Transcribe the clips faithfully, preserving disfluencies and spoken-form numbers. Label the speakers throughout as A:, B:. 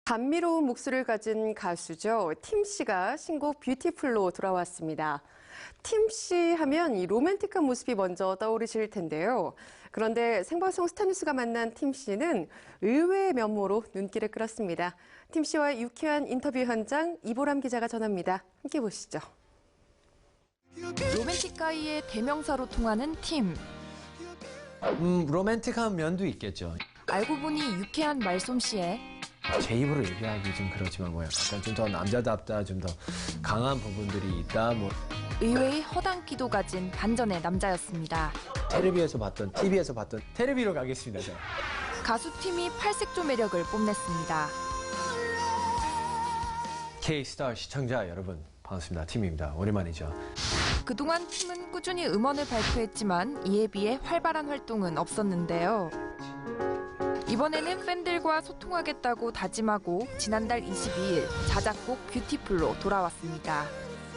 A: 감미로운 목소리를 가진 가수죠. 팀 씨가 신곡 뷰티풀로 돌아왔습니다. 팀 씨 하면 이 로맨틱한 모습이 먼저 떠오르실 텐데요. 그런데 생방송 스타뉴스가 만난 팀 씨는 의외의 면모로 눈길을 끌었습니다. 팀 씨와의 유쾌한 인터뷰 현장 이보람 기자가 전합니다. 함께 보시죠.
B: 로맨틱가이의 대명사로 통하는 팀.
C: 음, 로맨틱한 면도 있겠죠.
B: 알고 보니 유쾌한 말솜씨에
C: 제 입으로 얘기하기 좀 그렇지만 뭐 약간 좀 더 남자답다, 좀 더 강한 부분들이 있다. 뭐
B: 의외의 허당기도 가진 반전의 남자였습니다.
C: 텔레비에서 봤던, 티비에서 봤던 텔레비로 가겠습니다. 저.
B: 가수팀이 팔색조 매력을 뽐냈습니다.
C: K-스타 시청자 여러분, 반갑습니다. 팀입니다. 오랜만이죠.
B: 그동안 팀은 꾸준히 음원을 발표했지만 이에 비해 활발한 활동은 없었는데요. 이번에는 팬들과 소통하겠다고 다짐하고 지난달 이십이일 자작곡 뷰티풀로 돌아왔습니다.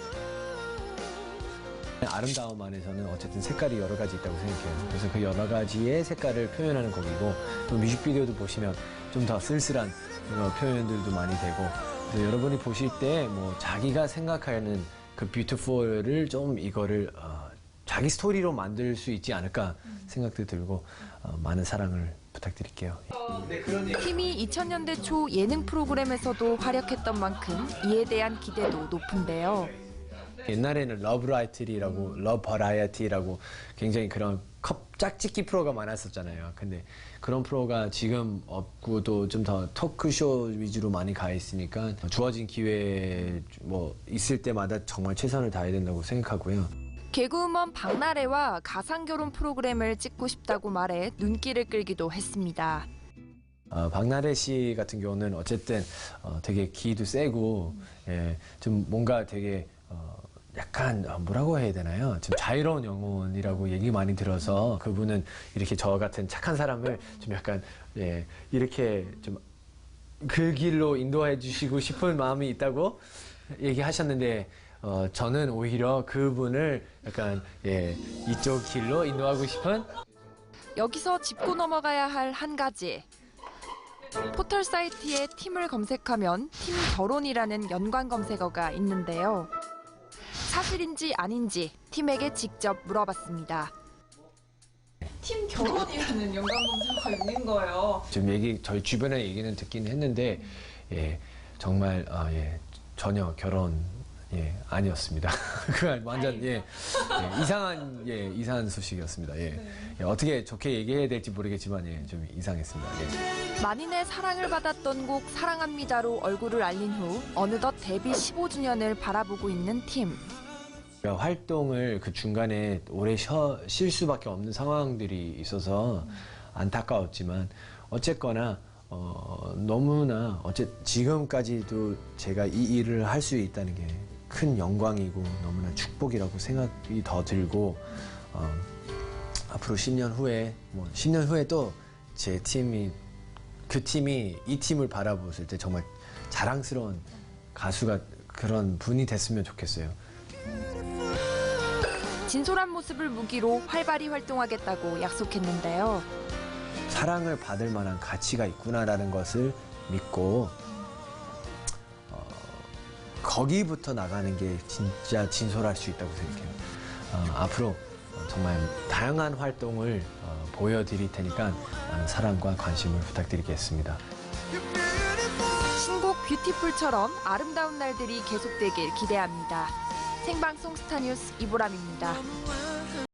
C: 아름다움 안에서는 어쨌든 색깔이 여러 가지 있다고 생각해요. 그래서 그 여러 가지의 색깔을 표현하는 곡이고, 또 뮤직비디오도 보시면 좀 더 쓸쓸한 표현들도 많이 되고, 그래서 여러분이 보실 때 뭐 자기가 생각하는 그 뷰티풀을 좀 이거를 어, 자기 스토리로 만들 수 있지 않을까 생각도 들고, 어, 많은 사랑을 부탁드릴게요.
B: 팀이 이천 년대 초 예능 프로그램에서도 활약했던 만큼 이에 대한 기대도 높은데요.
C: 옛날에는 러브라이트리라고, 러브버라이어티라고 굉장히 그런 컵 짝짓기 프로가 많았었잖아요. 근데 그런 프로가 지금 없고 또 좀 더 토크쇼 위주로 많이 가 있으니까 주어진 기회 뭐 있을 때마다 정말 최선을 다해야 된다고 생각하고요.
B: 개그우먼 박나래와 가상결혼 프로그램을 찍고 싶다고 말해 눈길을 끌기도 했습니다.
C: 어, 박나래 씨 같은 경우는 어쨌든 어, 되게 기도 세고, 예, 좀 뭔가 되게 어, 약간 뭐라고 해야 되나요? 좀 자유로운 영혼이라고 얘기 많이 들어서 그분은 이렇게 저 같은 착한 사람을 좀 약간, 예, 이렇게 좀 그 길로 인도해 주시고 싶은 마음이 있다고 얘기하셨는데, 어, 저는 오히려 그분을 약간, 예, 이쪽 길로 인도하고 싶은.
B: 여기서 짚고 넘어가야 할 한 가지. 포털 사이트에 팀을 검색하면 팀 결혼이라는 연관 검색어가 있는데요. 사실인지 아닌지 팀에게 직접 물어봤습니다.
D: 팀 결혼이라는 연관 검색어가 있는 거예요.
C: 좀 얘기, 저희 주변에 얘기는 듣긴 했는데, 예, 정말, 아, 예, 전혀 결혼, 예, 아니었습니다. 그건 완전, 예, 예, 이상한, 예, 이상한 소식이었습니다. 예.
D: 네.
C: 예, 어떻게 좋게 얘기해야 될지 모르겠지만, 예, 좀 이상했습니다. 예.
B: 만인의 사랑을 받았던 곡 사랑합니다로 얼굴을 알린 후 어느덧 데뷔 십오 주년을 바라보고 있는 팀.
C: 그러니까 활동을 그 중간에 오래 쉬어, 쉴 수밖에 없는 상황들이 있어서 안타까웠지만, 어쨌거나, 어, 너무나, 어째, 지금까지도 제가 이 일을 할 수 있다는 게 큰 영광이고 너무나 축복이라고 생각이 더 들고, 어, 앞으로 십 년 후에, 뭐 십 년 후에 또 제 팀이, 그 팀이 이 팀을 바라보실 때 정말 자랑스러운 가수가 그런 분이 됐으면 좋겠어요.
B: 진솔한 모습을 무기로 활발히 활동하겠다고 약속했는데요.
C: 사랑을 받을 만한 가치가 있구나라는 것을 믿고, 어, 거기부터 나가는 게 진짜 진솔할 수 있다고 생각해요. 어, 앞으로 정말 다양한 활동을 어, 보여드릴 테니까 많은 사랑과 관심을 부탁드리겠습니다.
B: 신곡 뷰티풀처럼 아름다운 날들이 계속되길 기대합니다. 생방송 스타뉴스 이보람입니다.